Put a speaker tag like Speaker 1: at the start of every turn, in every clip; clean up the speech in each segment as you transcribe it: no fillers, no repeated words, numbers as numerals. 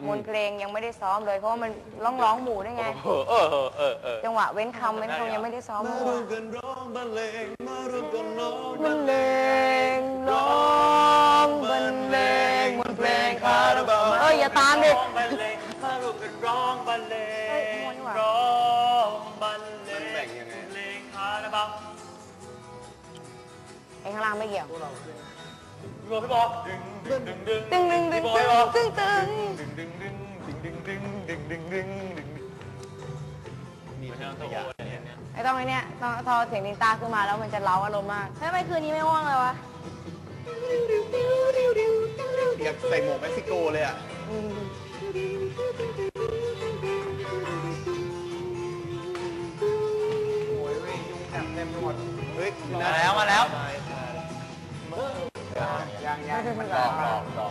Speaker 1: มวลเพลงยังไม่ได้ซ้อมเลยเพราะว่ามันร้องหมู่ได้ไงจังหวะเว้นคำยังไม่ได้ซ้อมมาร่วมกันร้องบรรเลงมาร่วมกันร้องบรรเลงร้องบรรเลงมวลเพลงคาราบาวอย่าตามดิ
Speaker 2: มาร่วมกันร้องบรรเลงร้องบรรเลงเพลงคาราบาว
Speaker 1: ไอ้ข้างล่างไม่เกี่ยว
Speaker 2: พี่บอลดึงดึงดึง
Speaker 1: ตึงตึงตึงตึงตึง
Speaker 2: ดึงดึงดึงดึงดึงดึงดึงดึงดึงมีเรื่องตัวเนี่ย
Speaker 1: ไอ้ต้องไอ้เนี่ยพอเสียงดินตาขึ้นมาแล้วมันจะเล้าอารมณ์มากทำไมคืนนี้ไม่ว่างเลยวะ
Speaker 3: อยากใส่หมวกเม็กซิโกเลยอ่ะโอ้ยยุงแถบเต็มไปหมดเฮ้ย
Speaker 2: มาแล้วยัง
Speaker 3: มันหลอก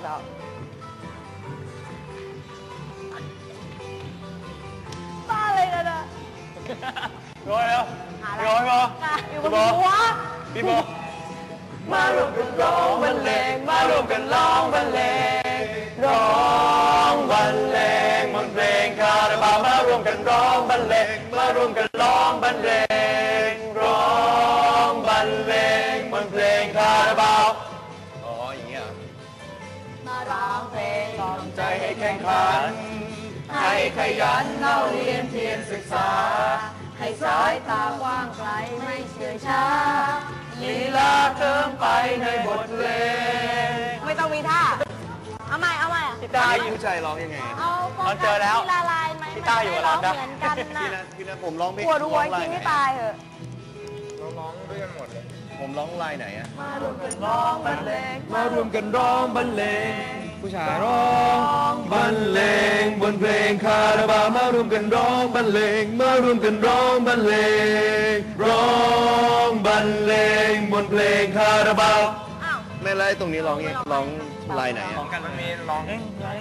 Speaker 1: บ้าเลยกันอ่ะ
Speaker 2: ร้อยแล้วร้อย
Speaker 1: อยู่บนหัว
Speaker 2: พี่โบ
Speaker 1: มารวมกันร้องบรรเลงมารวมกันร้องบรรเลงร้องบรรเลงมนเพลงคาราบาวมารวมกันร้องบรรเลงมารวมกันร้องบรรเลงร้องบรรเลงมนเพลงคาราบาว
Speaker 3: อ๋ออย่างเงี้ย
Speaker 1: มาร้องเพลงกล่อมใจให้แข่งขันให้ขยันเล่าเรียนเพียรศึกษาให้สายตากว้างไกลไม่เฉื่อยช้าลีลาเติมไปในบทเพลงไม่ต้องมีท่าเอาใหม่อ่ะ
Speaker 2: พี่ต้าอยู่
Speaker 3: ใจร้องยังไง
Speaker 2: เราเจอแล้ว
Speaker 1: ละลายไหม
Speaker 2: พี่ต้าอยู่กับเรา
Speaker 1: เหมือนกันนะ
Speaker 3: พี่นะผมร้องเพลง
Speaker 1: ปวดหัวจริงไม่ตายเหอะ
Speaker 3: ร้องด้วยกันหมดเลยผมร้องลายไหนอะ
Speaker 1: มารวมกันร้องบรรเลง
Speaker 3: มารวมกันร้องบรรเลงผู้ชายร้องบรรเลงบนเพลงคาราบาวมารวมกันร้องบรรเลงมารวมกันร้องบรรเลงร้องบรรเลงบนเพลงคาราบาวไม่ไล่ตรงนี้ร้องลายไหนอะ
Speaker 2: ของกันมันมีร้อง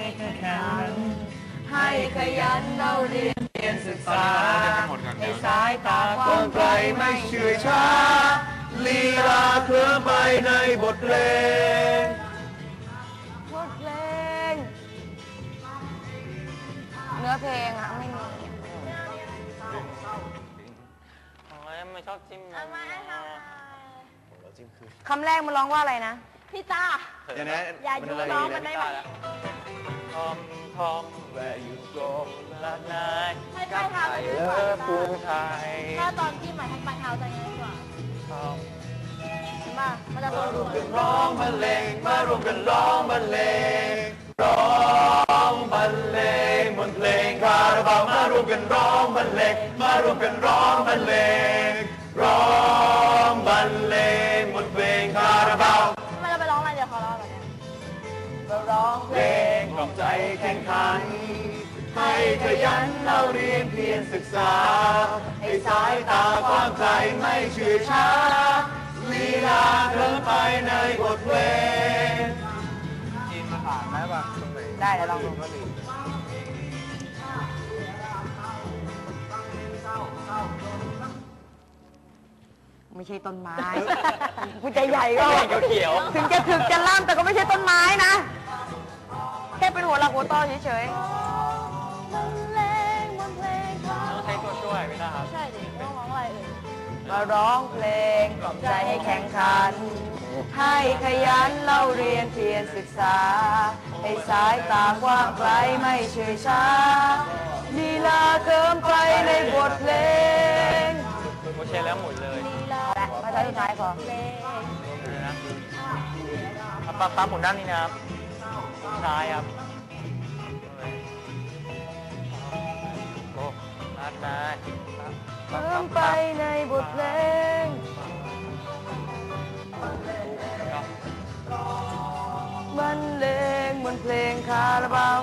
Speaker 1: ให้ขยันเล่าเรียนศึกษาให้สายตากว้างไกลไม่เฉื่อยช้า
Speaker 3: ลีลาเคลื่อนไปในบทเพลง
Speaker 1: เนื้อเพลงอะไม่มี
Speaker 2: ไม่ชอบจิ้ม
Speaker 1: คำแรกมันร้องว่าอะไรนะ
Speaker 4: พี่ตา
Speaker 1: อย่าอยู่ร้องมันได้ไหม
Speaker 2: ทอมแวร์ยูโกละนาย
Speaker 4: ให้ไปทางไหนดีกว่าถ้าตอนที่หมายทางปลายเท้าจะง่ายกว่ามามันจะ
Speaker 3: รวมกันร้องบรรเลงมารวมกันร้องบรรเลงร้องบรรเลงบนเพลงคาราบาวมารวมกันร้องบรรเลงมารวมกันร้องบรรเลงร้องบรรเลงบนเพลงคาราบาว
Speaker 4: ทำไมเราไปร้องอะไรเดี๋ยวขอร้องแบบนี้
Speaker 1: เราร้องเพลง
Speaker 3: กล่อมใจแข่งขันให้ขยันเล่าเรียนเพียรศึกษาให้สายตากว้างไกลไม่เฉื่อยช้าลีลาเคลื่อนไปในบทเพลง
Speaker 2: จีนมาผ่านได้ป่ะ
Speaker 1: ได้แล้วลองดูไม่ใช่ต้นไม้คุณใจใหญ่ก็
Speaker 2: เขียว
Speaker 1: ถึงจะถึกจะล่ำแต่ก็ไม่ใช่ต้นไม้นะแค่เป็นหัวหลักหัวต่อเฉย
Speaker 4: บรรเลงบนเพลง
Speaker 2: ต้องใช้ตัวช่วยไม่ได้ครับ
Speaker 4: ใช่ดิต้องร้องอะไร
Speaker 1: มาร้องเพลงกล่อมใจให้แข่งขันให้ขยันเล่าเรียนเพียรศึกษาให้สายตากว้างไกลไม่เฉื่อยช้าลีลาเติมไปในบทเพลง
Speaker 2: โอเคแล้วหมุนเลย
Speaker 1: มาใช้สุดท้ายพอ
Speaker 2: ปั๊บหมุนด้านนี้นะครับซ้ายครับโอ้นัดได้
Speaker 1: เติมไปในบทเพลงบรรเลงบนเพลงคาราบาว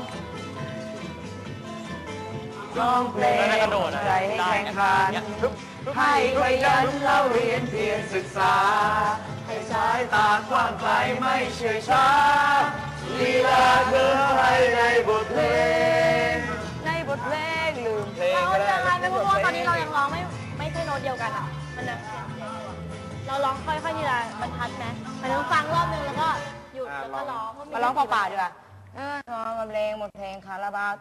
Speaker 1: ร้องเพลงใจให้แข่งขันให้ขยันเล่าเรียนเพียรศึกษาให้สายตากว้างไกลไม่เฉื่อยช้าลีลาเกินไปในบทเพลงลืมเพลง
Speaker 4: เราจะทายไปเพราะว่าตอนนี้เรายังร้องไม่ใช่โน้ตเดียวกันอ่ะมันจะเราร้องค่อยๆทีละบรรทัดไหมมันต้องฟังรอบนึงแล้วก็หยุดแล้วก็ร้อง
Speaker 1: มาร้องเปล่าๆดีกว่าร้องบรรเลงบทเพลงคาราบาว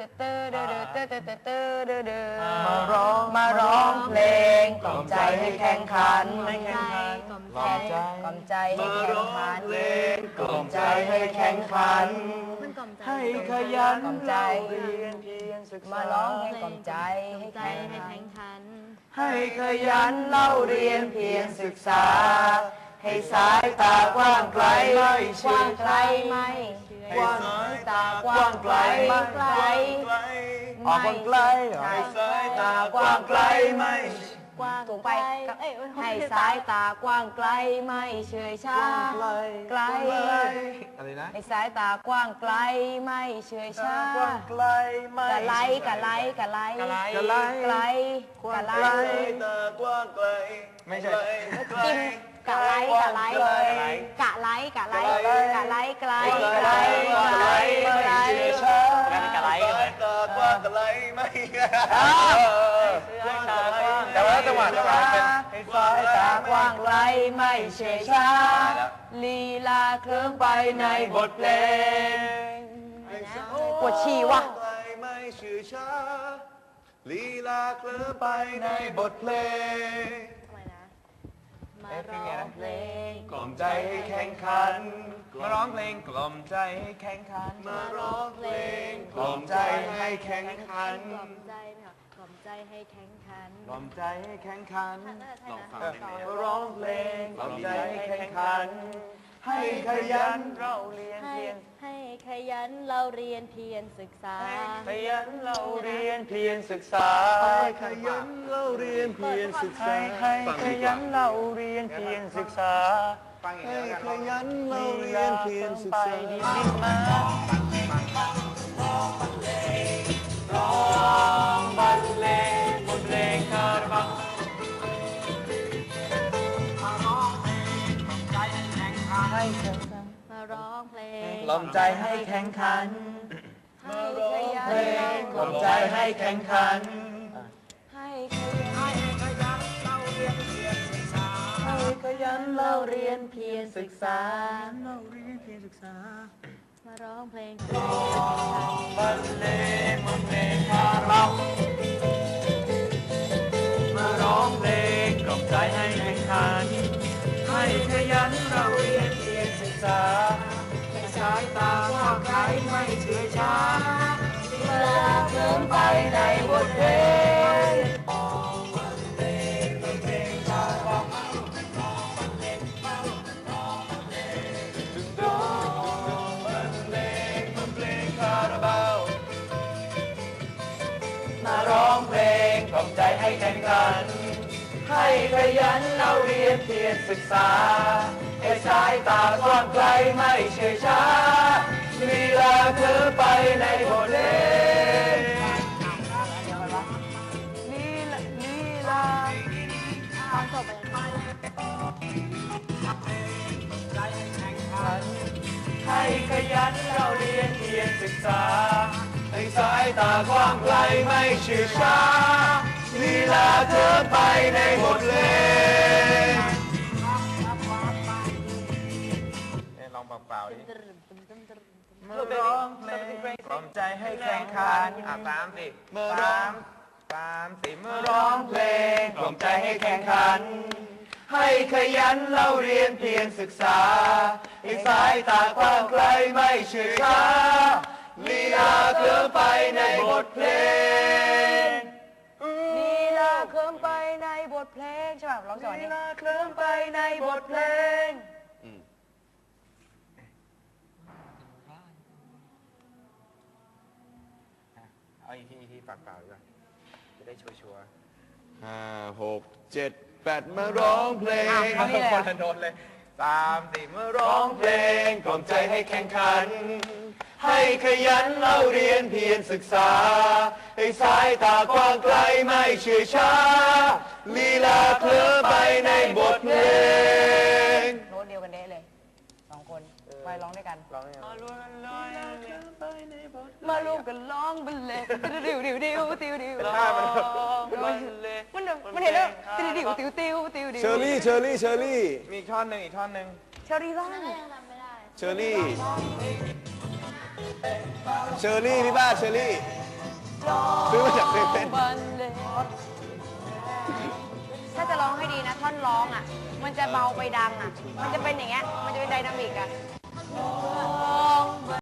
Speaker 1: มาร้องเพลงกล่อมใจให้แข่งขันกล่อมใจให้แข่งขัน
Speaker 3: กล่อมใจให้แข่งขันให้ขยัน
Speaker 1: กล่อมใจ
Speaker 3: เรียนเพียรศึกษา
Speaker 1: มาร้องเพลงกล่อมใจให้แข่งขัน
Speaker 3: ให้ขยันเล่าเรียนเพียรศึกษาให้สายตากว้างไกลไม่
Speaker 1: กว้างไกลไหมกว้างตากว้างไกลไกล
Speaker 3: ออกกว้างไกลให้สายตากว้างไกลไม่
Speaker 4: กว้าง
Speaker 1: สูงไปให้สายตากว้างไกลไม่เฉยชาไกล
Speaker 3: อะไรนะ
Speaker 1: ให้สายตากว้างไกลไม่เฉยชาก
Speaker 3: ว้างไกลไม่
Speaker 1: กะไลกะไลกะไล
Speaker 3: กะไล
Speaker 1: ไกลกะไล
Speaker 3: ตากว้างไกลไม่ใช่
Speaker 1: จิ้มกะไลกะไลกะไลกะไลกะไลไกลไกลไกลไกล
Speaker 2: กะไลกันเลย
Speaker 3: ตากว้างไกลไม่แต่ว่าจังหวะเป็นให้สายตากว้างไกลไม่เฉยชาลีลาเคลิ้มไปในบทเพลง
Speaker 1: ปวดฉี่ว่ะ
Speaker 3: ไม่เฉยชาลีลาเคลิ้มไปในบทเพลง
Speaker 4: มาร้องเพลง
Speaker 3: กล่อมใจให้แข่งขันมาร้องเพลงกล่อมใจให้แข่งขันมาร้องเพลงกล่อมใจให้แข่งขัน
Speaker 4: กล่อมใจไหมคะกล่อมใจให้แข็งขัน
Speaker 3: กล่อมใจให้แข่งขัน
Speaker 4: น่าจะใช่นะ
Speaker 3: มาร้องเพลงกล่อมใจให้แข่งขัน ให้ขยันเราเรียน
Speaker 4: ให้
Speaker 3: เพียร
Speaker 4: ให้ขยันเราเรียนเพียรศึกษา
Speaker 3: ขยันเราเรียนเพียรศึกษาขยันเราเรียนเพียรศึกษาให้ขยันเราเรียนเพียรศึกษาให้ขยันเราเรียนเพียรศึกษาดีมาร้องบรรเลงบทเพลงคาราบาว
Speaker 4: มาร้องเพลง
Speaker 3: กล่อมใจให้แข่งขัน
Speaker 1: ให้ขยัน
Speaker 3: เพลงกล่อมใจให้แข่งขัน
Speaker 1: ให้ขยัน
Speaker 3: ให้ขยันเราเรียน
Speaker 4: เพียรศึกษา
Speaker 3: เราเรียนเพียรศึกษา
Speaker 4: มาร้องเพลง
Speaker 3: บรรเลงบทเพลงคาราบาวมาร้องเพลงกล่อมใจให้แข่งขัน ให้ขยันเราเรียนเพียรศึกษาให้สายตากว้างไกลไม่เฉื่อยช้าเวลาเคลิ้มไปในบทเพลงมาร้องเพลงกล่อมใจให้แข่งขัน ให้ขยันเราเรียนเพียรศึกษาให้สายตากว้างไกลไม่เฉยช้าลีลาเธอไปในบทเพลงลีลา
Speaker 4: ตอนจบไป
Speaker 3: ให้ขยันเราเรียนเพียรศึกษาให้สายตากว้างไกลไม่เฉื่อยช้าลีลาเธอไปในบทเพลงลองเปล่าๆดิเมื่อร้องเพลงกล่อมใจให้แข่งขันตามสิเมื่อร้องตามสิเมื่อร้องเพลงกล่อมใจให้แข่งขัน ให้ขยันเราเรียนเพียรศึกษาให้สายตากว้างไกลไม่เฉื่อยช้าลีลาเคลื่อนไปในบทเพลง
Speaker 1: ลีลาเคลิ้มไปในบทเพลงใช่ป่ะร้องจังหวะ
Speaker 3: ลี
Speaker 1: นี้
Speaker 3: ลาเคลื่อนไปในบทเพลงเอาอีกทีปากเปล่าดีกว่าจะได้ชัวร์5 6 7 8มาร้องเพลงคนละโน้ตเลย3 4เมื่อร้องเพลงกล่อมใจให้แข่งขัน ให้ขยันเราเรียนเพียรศึกษาให้สายตากว้างไกลไม่เฉื่อยช้าลีลาเคลื่อนไปในบทเพลง
Speaker 1: โน้ตเดียวกันเด้เลยสองคนไปร้องด้วยกันมารวมกันร้องบรรเลงดิวดิวดิวติวดิวมันเห็นแล้วติวดิวติวติวติวดิว
Speaker 3: เชอรี่มีอีกท่อนหนึ่ง
Speaker 1: เชอรี่ร้อง
Speaker 4: ยังทำไม่ได้
Speaker 3: เชอรี่
Speaker 1: เชอรี่พี่บ้าเชอรี่ซื้อมาจากเซเว่น
Speaker 4: ถ้าจะร้องให้ดีนะท่อนร้องอ่ะ มันจะเบาไปดังอ่ะ มันจะเป็นอย่างเงี้ย มันจะเป็นไดนามิกอ่ะ